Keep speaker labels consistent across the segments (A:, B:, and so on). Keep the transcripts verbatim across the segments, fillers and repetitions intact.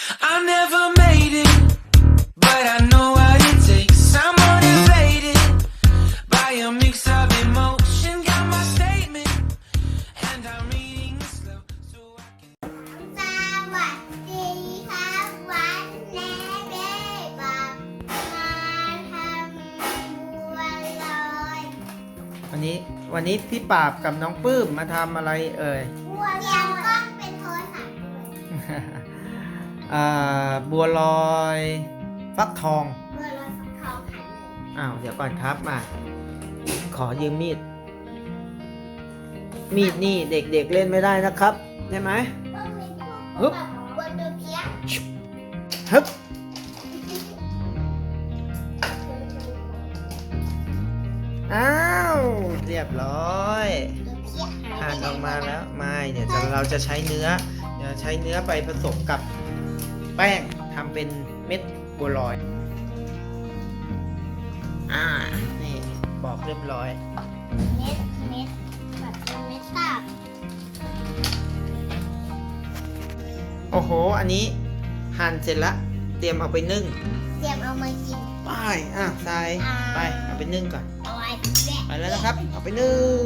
A: I never made it, but I know what it takes. I'm motivated by a mix of emotion. Got my statement, and I'm reading it slow so I can.
B: สวัสดีครับวันนี้เบ๊บอกมาทำบัวลอย
C: วันนี้วันนี้พี่ปราบกับน้องปื้มมาทำอะไรเอ่ย
B: บัวลอยเตรียมกล้องเป็นโทรศัพท์
C: อ่าบัวลอยฟักทอง
B: บัวลอยฟักทองหันเลย
C: อ้าวเดี๋ยวก่อนครับมา ขอยืมมีด มีดนี่เด็กๆเเล่นไม่ได้นะครับใช่ไหม
B: ต้องมีพวก
C: ฮึบ
B: แบบบัวตัวเพี้ย
C: ฮึบอ้าวเรียบร้อย
B: ตัวเพี้ย
C: หั่นออกมาแล้วไม่เดี๋ยวจะเราจะใช้เนื้อเดี๋ยวใช้เนื้อไปผสมกับแป้งทำเป็นเม็ดบัวลอยอ่านี่บอกเรียบร้อย
B: เม็ดเม็ดแบบเป็นเม็ดตาบ
C: โอ้โหอันนี้หั่นเสร็จละเตรียมเอาไปนึ่ง
B: เตรียมเอามากิน
C: ไปอ่ะทรายไปเอาไปนึ่งก่อน
B: เอาไว้แบะ
C: ไปแล้วนะครับเอาไปนึ่ง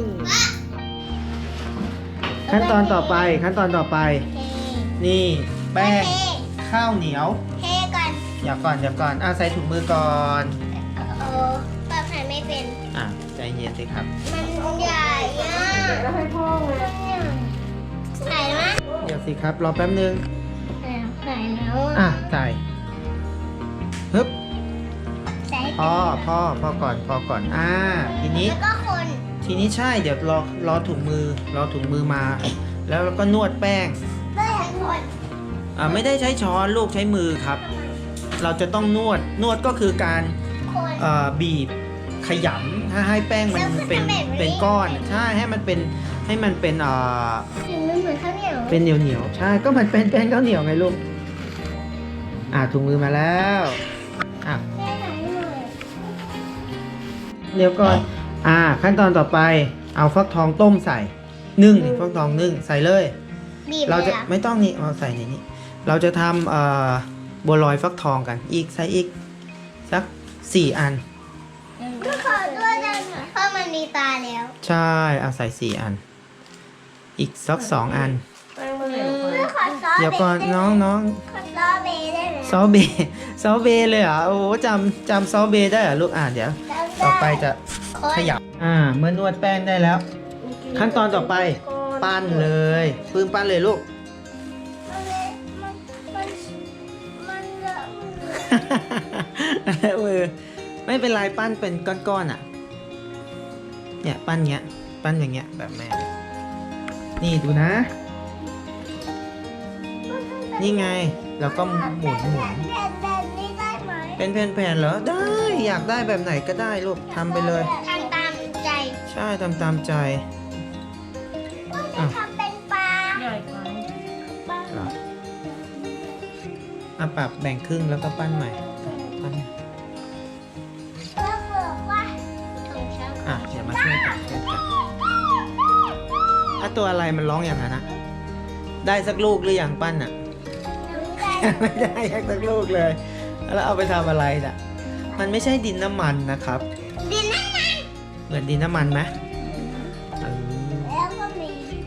C: ขั้นตอนต่อไปขั้นตอนต่อไป
B: เท
C: นี่แป้ง
B: เท
C: ข้าวเหนียว
B: เทก่อน
C: เดี๋ยวก่อนเดี๋ยวก่อนอ่ะใส่ถุงมือก่อน
B: เออปรับหันไม่เป็น
C: อ่ะใจเย็นสิครับ
B: มันใหญ่อะแล้วให้พ่อไงใส่ไหม
C: เดี๋ยวสิครับรอแป๊บนึง
B: ใส่แล้ว
C: อ่ะใส่ฮึบ
B: ใส่
C: พ่อพ่อพ่อก่อนพ่อก่อนอ่าทีนี้
B: แล้วก็คน
C: ทีนี้ใช่เดี๋ยวรอรอถุงมือรอถุงมือมา แล้วก็นวดแป้ง
B: ด้วยทั้งคน
C: อ่าไม่ได้ใช้ช้อนลูกใช้มือครับ เราจะต้องนวดนวดก็คือการ
B: คน
C: เอ่อบีบขยำถ้าให้แป้งมันเป็นเป็นก้อนใช่ให้มันเป็นให้มันเป็นเอ่อ
B: ถึงมันเหมือนข้าวเหนียว
C: เป็นเหนียวเหนียวๆใช่ก็มันเป็นแป้งข้าวเหนียวไงลูกอ่าถุงมือมาแล้วอ่ะ
B: แค่ไหนหน่อย
C: เดี๋ยวก่อนอ่าขั้นตอนต่อไปเอาฟักทองต้มใส่นึ่งนี่ฟักทองนึ่งใส่เลย
B: บีบ
C: เราจะ
B: ลยหอ
C: ไม่ต้องนี่เอาใส่ในนี้เราจะทำเอ่อบัวลอยฟักทองกันอีกใส่อีกสักสี่อัน
B: ก็ขอด้วยนะเพราะมันมีตาแล้ว
C: ใช่เอาใส่สี่อัน อีกสักสองอัน
B: ก็ขอซอส
C: เดี๋ยวก่อนน้องน้อง
B: ขอซอสเบย์ได้ไหม
C: ซอเบย์ซอเบย์เลยเหรอโอ้โหจำจำซอเบย์ได้เหรอลูกอ่านเดี๋ยว ต่อไปจะขยับอ่าเมื่อนวดแป้งได้แล้ว ขั้นตอนต่อไปปั้นเลยปื้มปั้นเลยลูก
B: มันมันมันมันเลอะมือ
C: มือไม่เป็นไรปั้นเป็นก้อนๆอ่ะ เนี่ยปั้นเงี้ย ปั้นอย่างเงี้ยแบบแม่เลยนี่ดูนะ นี่ไงเราก็หมุนหมุน
B: แบบนี้ได้ไหม
C: เป็นแผ่นๆเหรอได้อยากได้แบบไหนก็ได้ลูกทำไปเลย
B: ทำตามใจ
C: ใช่ทำตามใจ อ่ะ
B: ทำเป็นปลา
C: เหรออ่ะปรับแบ่งครึ่งแล้วก็ปั้นใหม่ปั้น
B: แล้วบอกว่าของฉัน
C: อ่ะเดี๋ยวมาช่วยกันช่วยกันถ้าตัวอะไรมันร้องอย่างนั้นนะได้สักลูกหรือยังปั้นอ่ะ ไม่ได้สักลูกเลย แล้วเอาไปทำอะไรน่ะ มันไม่ใช่ดินน้ำมันนะครับ
B: ดินนั่นนั่น
C: เหมือนดินน้ำมันไหมเออ
B: แล้วก็มี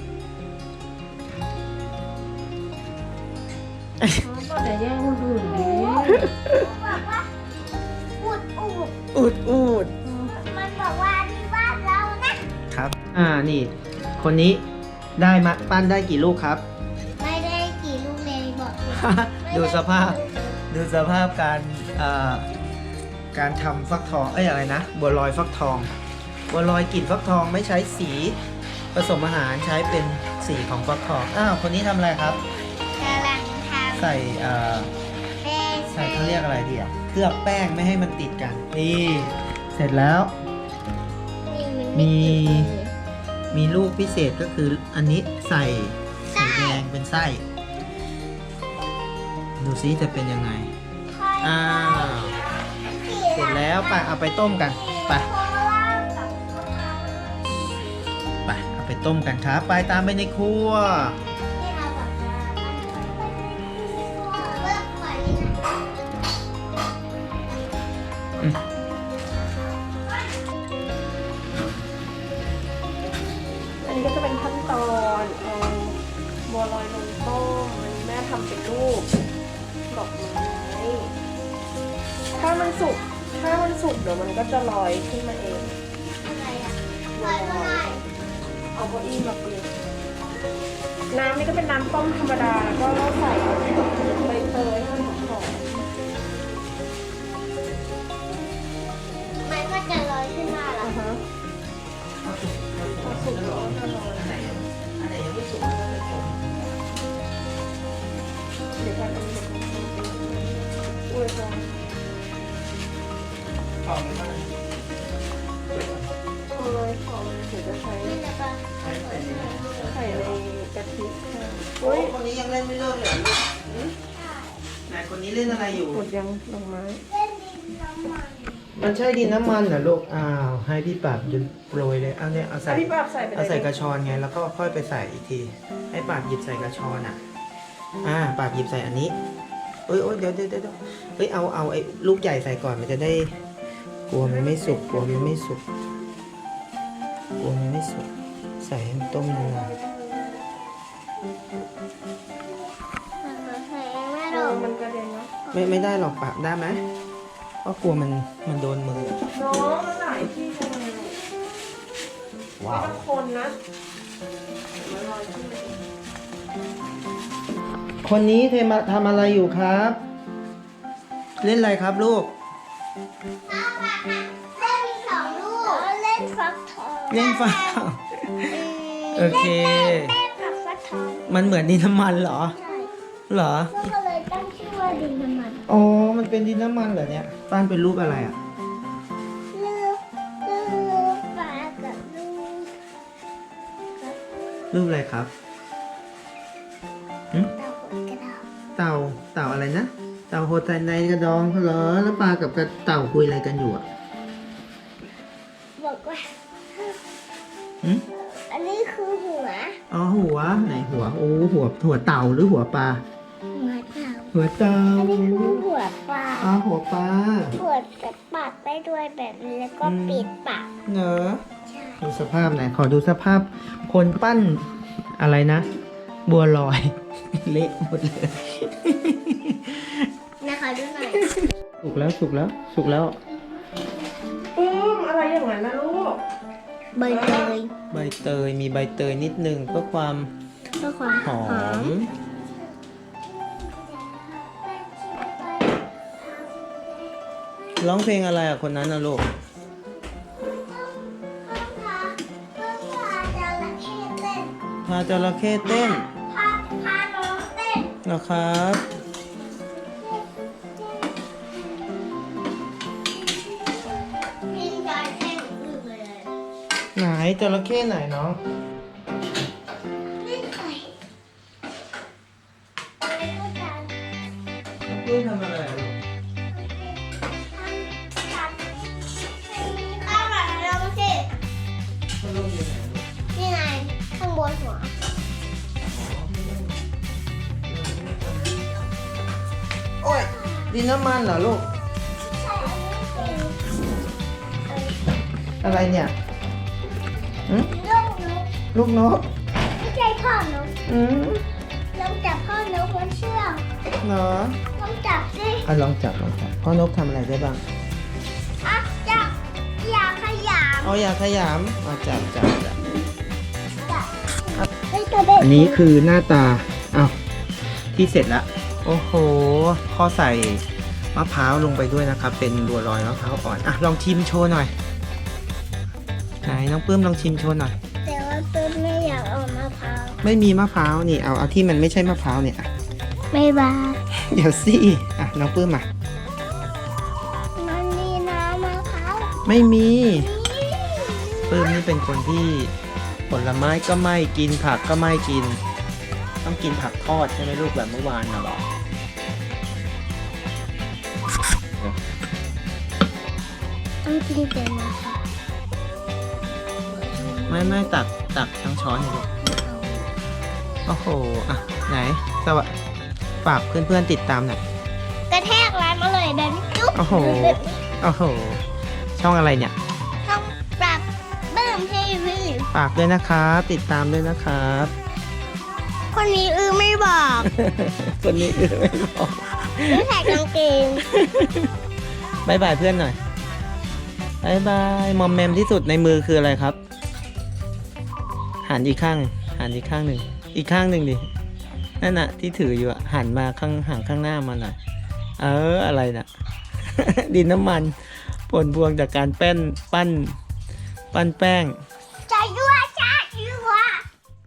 D: ก็จะแย่งคนอื่นดิ
B: บอกว่าอูดอูด
C: อูดอูด
B: มันบอกว่าที่บ้านเรานะครับ
C: อ่านี่ คนนี้ได้มาปั้นได้กี่ลูกครับ
B: ไม่ได้กี่ลูกเลยบอกเลย
C: ดูสภาพ ดูสภาพการเอ่อการทำฟักทอง เอ้ยอะไรนะ บัวลอยฟักทอง บัวลอยกลิ่นฟักทองไม่ใช้สีผสมอาหารใช้เป็นสีของฟักทอง อ้าว คนนี้ทำอะไรครับ
B: กำลังทำ
C: ใส่เอ่อ
B: แป้ง
C: ใส่เขาเรียกอะไรดีอ่ะ เคลือบแป้งไม่ให้มันติดกัน นี่ เสร็จแล้ว มี มีลูกพิเศษก็คืออันนี้ใส่สีแดงเป็นไส้ ดูซิจะเป็นยังไง อ้าว เสร็จแล้วไปเอาไปต้มกัน ไป ไป เอาไปต้มกันครับ ไปตามไปในครัว
B: ที่เราแบบว่า
D: สุกถ้ามันสุกเดี๋ยวมันก็จะลอยขึ้นมาเอง
B: อะไรอ่ะลอยก็ได้
D: เอาเก้าอี้มาปิดน้ำนี่ก็เป็นน้ำต้มธรรมดาแล้วก็ใส่ใบเตยให้มันหอม
B: มันก็จะลอยขึ้นมา
D: ๆ
B: แล้
D: อ่าว ฮะ
C: เอาสุกเอาสุก
D: พอสุกแล้วก็ลอย
C: อันไหนอันไหนยังไม่สุกก็ไม่สุก
D: เดี๋ยวกันอันนี้เดี๋ยวกันอุ้ยพอ
C: ทองมันก็
D: เออพอมันถึงจะใช้
B: นี่แล้วก็
C: ใช้ใส่ในนี้
D: ใส่ในกะทิค่ะ
C: โอ้
D: อุ้
C: ย
D: ย
C: คนนี้ยังเล่นไม่เลิกเลยเหรอลูกหืมไหนคนนี้เล่นอะไรอยู่
D: หมดยังดอกไม้
B: เล่นดินน้ำมัน
C: มันใช่ดินน้ำมันเหรอลูก อ้าว ให้พี่ปราบจนโปรยเลย เอาเนี่ยเอาใส่
D: อ่ะพี่ปราบใส่ไปเลย
C: เอาใส่กระชอนไง แล้วก็ค่อยไปใส่อีกที ให้ปราบหยิบใส่กระชอนอ่ะ อ่าปราบหยิบใส่อันนี้เอ้ยโอ้ยเดี๋ยวเดี๋ยวเดี๋ยวเฮ้ย เอา เอาไอ้ลูกใหญ่ใส่ก่อน มันจะได้ กลัวมันไม่สุก กลัวมันไม่สุก กลัวมันไม่สุก ใส่ให้มันต้มนาน
B: มันมาแพงไม่
D: เอ
B: หรอ
D: อก มันกระเด็นเนาะ
C: ๆไม่ไม่ได้หรอกปราบได้ไหมเพราะกลัวมันมันโดนมือ
D: น้องมันหลายที่จังเลย
C: ว้าว
D: ไม่ต้องคนนะมันลอยขึ้นมาเอง
C: คนนี้เทมาทำอะไรอยู่ครับ เล่นอะไรครับลูก
B: น้ำมันอ่ะเล่นมีสองลูกเล่นฟักทอง
C: เล่นฟ้า โอเค
B: เล่นกับฟักทอง
C: มันเหมือนดินน้ำมันเหรอ
B: ใช่
C: เหรอ
B: ก็เลยตั้งชื่อว่าดินน้ำมัน
C: อ๋อ มันเป็นดินน้ำมันเหรอเนี่ยป้านเป็นรูปอะไรอ่ะ
B: ลูกลูกปลากับลูกกับ
C: รูปอะไรครับหึ
B: เต่าหัวกระดาษ
C: เต่า เต่าอะไรนะ เต่าโหดในกระดองเหรอ แล้วปลากับกระเต่าคุยอะไรกันอยู่อ่ะ
B: บอกว่า
C: หึ
B: อันนี้คือหัว
C: อ๋อหัว ไหนหัว โอ้หัวหัวเต่าหรือหัวปลา
B: หัวเต่า
C: หัวเต่า
B: อันนี้คือหัวปลา
C: อ๋อหัวปลา
B: หัวจะปัดได้ด้วยแบบนี้แล้วก็ปิดปาก
C: เนอะ
B: ใช่
C: ดูสภาพไหนอยขอดูสภาพคนปั้นอะไรนะ บัวลอย เละหมดเลย
B: นะคะดูหน่อย
C: สุกแล้วสุกแล้วสุกแล้ว
D: ปื้มอะไรอย่างนั้นนะลูก
B: ใบเตย
C: ใบเตยมีใบเตยนิดนึงเพื่อความ
B: เพื่อความ
C: หอม ร้องเพลงอะไรอ่ะคนนั้นนะลูก พาจระเข้เต้น
B: พาพาน้องเต้น
C: นะครับ
B: กินจอยเต้นลืมเลย
C: ไหนจระเข้ไหนน้อง
B: เล่นไข่เล่นด้วยกัน
C: เพื่อนทำอะไรลูก
B: ข้าวหลามลงสิ
C: เขาลงอยู่ไหนลูก
B: นี่ไงข้างบนหัว
C: โอ้ยดินน้ำมันเหรอลูก
B: ใช่อันนี้เป็นเอ่อ
C: อะไรเนี่ยหืม
B: ลูกนก
C: ลูกนก
B: ไม่ใช่พ่อนก
C: อืม
B: ลองจับพ่อนกบนเชือก
C: เหรอ
B: ลองจับสิ
C: อ่ะลองจับลองจับพ่อนกทำอะไรได้บ้าง
B: อ่ะจับอย่าขยำ
C: เอาอย่าขยำเอาจับจับจับ
B: จับเฮ้ยตัวเด็ก
C: อันนี้คือหน้าตาอ้าวที่เสร็จแล้ว โอ้โหพอใส่มะพร้าวลงไปด้วยนะครับ เป็นบัวลอยมะพร้าวอ่อน อ่ะ ลองชิมโชว์หน่อย ไหนน้องปื้มลองชิมโชว์หน่อย
B: แต่ว่าเปิ้ลไม่อยากเอามะพร้าว
C: ไม่มีมะพร้าว นี่ เอาเอาที่มันไม่ใช่มะพร้าวเนี่ยอ่ะ
B: ไม่บา
C: เดี๋ยวสิ อ่ะ น้องปื้มอ่ะ
B: มันมีน้ำมะพร้าว
C: ไม่มี ปื้มนี่เป็นคนที่ผลไม้ก็ไม่กินผักก็ไม่กิน ต้องกินผักทอดใช่ไหมลูกแบบเมื่อวานน่ะหรอ
B: ต้องกินแต่มะพร้าว
C: ไม่ไม่ตักตักทั้งช้อนเลยลูกโอ้โห อ่ะ ไหน สวัสดีฝากเพื่อนๆติดตามหน่อย
B: กระแทกร้านอร่อยแบบนี้จุ๊บ
C: โอ้โห โอ้โห ช่องอะไรเนี่ย
B: ต้องปรับเบิ่มทีวี
C: ฝากด้วยนะครับ ติดตามด้วยนะครับ
B: คนนี้อือไม่บอก
C: คนนี้เออไม่บอก
B: ไม่ใส่กางเกง
C: บายบายเพื่อนหน่อยบายบายมอมแมมที่สุดในมือคืออะไรครับหันอีกข้างหันอีกข้างหนึ่งอีกข้างหนึ่งดินั่นน่ะที่ถืออยู่อะหันมาข้างห่างข้างหน้ามาหน่อยเอออะไรน่ะ ดินน้ำมันผลพวงจากการแป้นปั้นปั้นแป้ง
B: ใจด้วย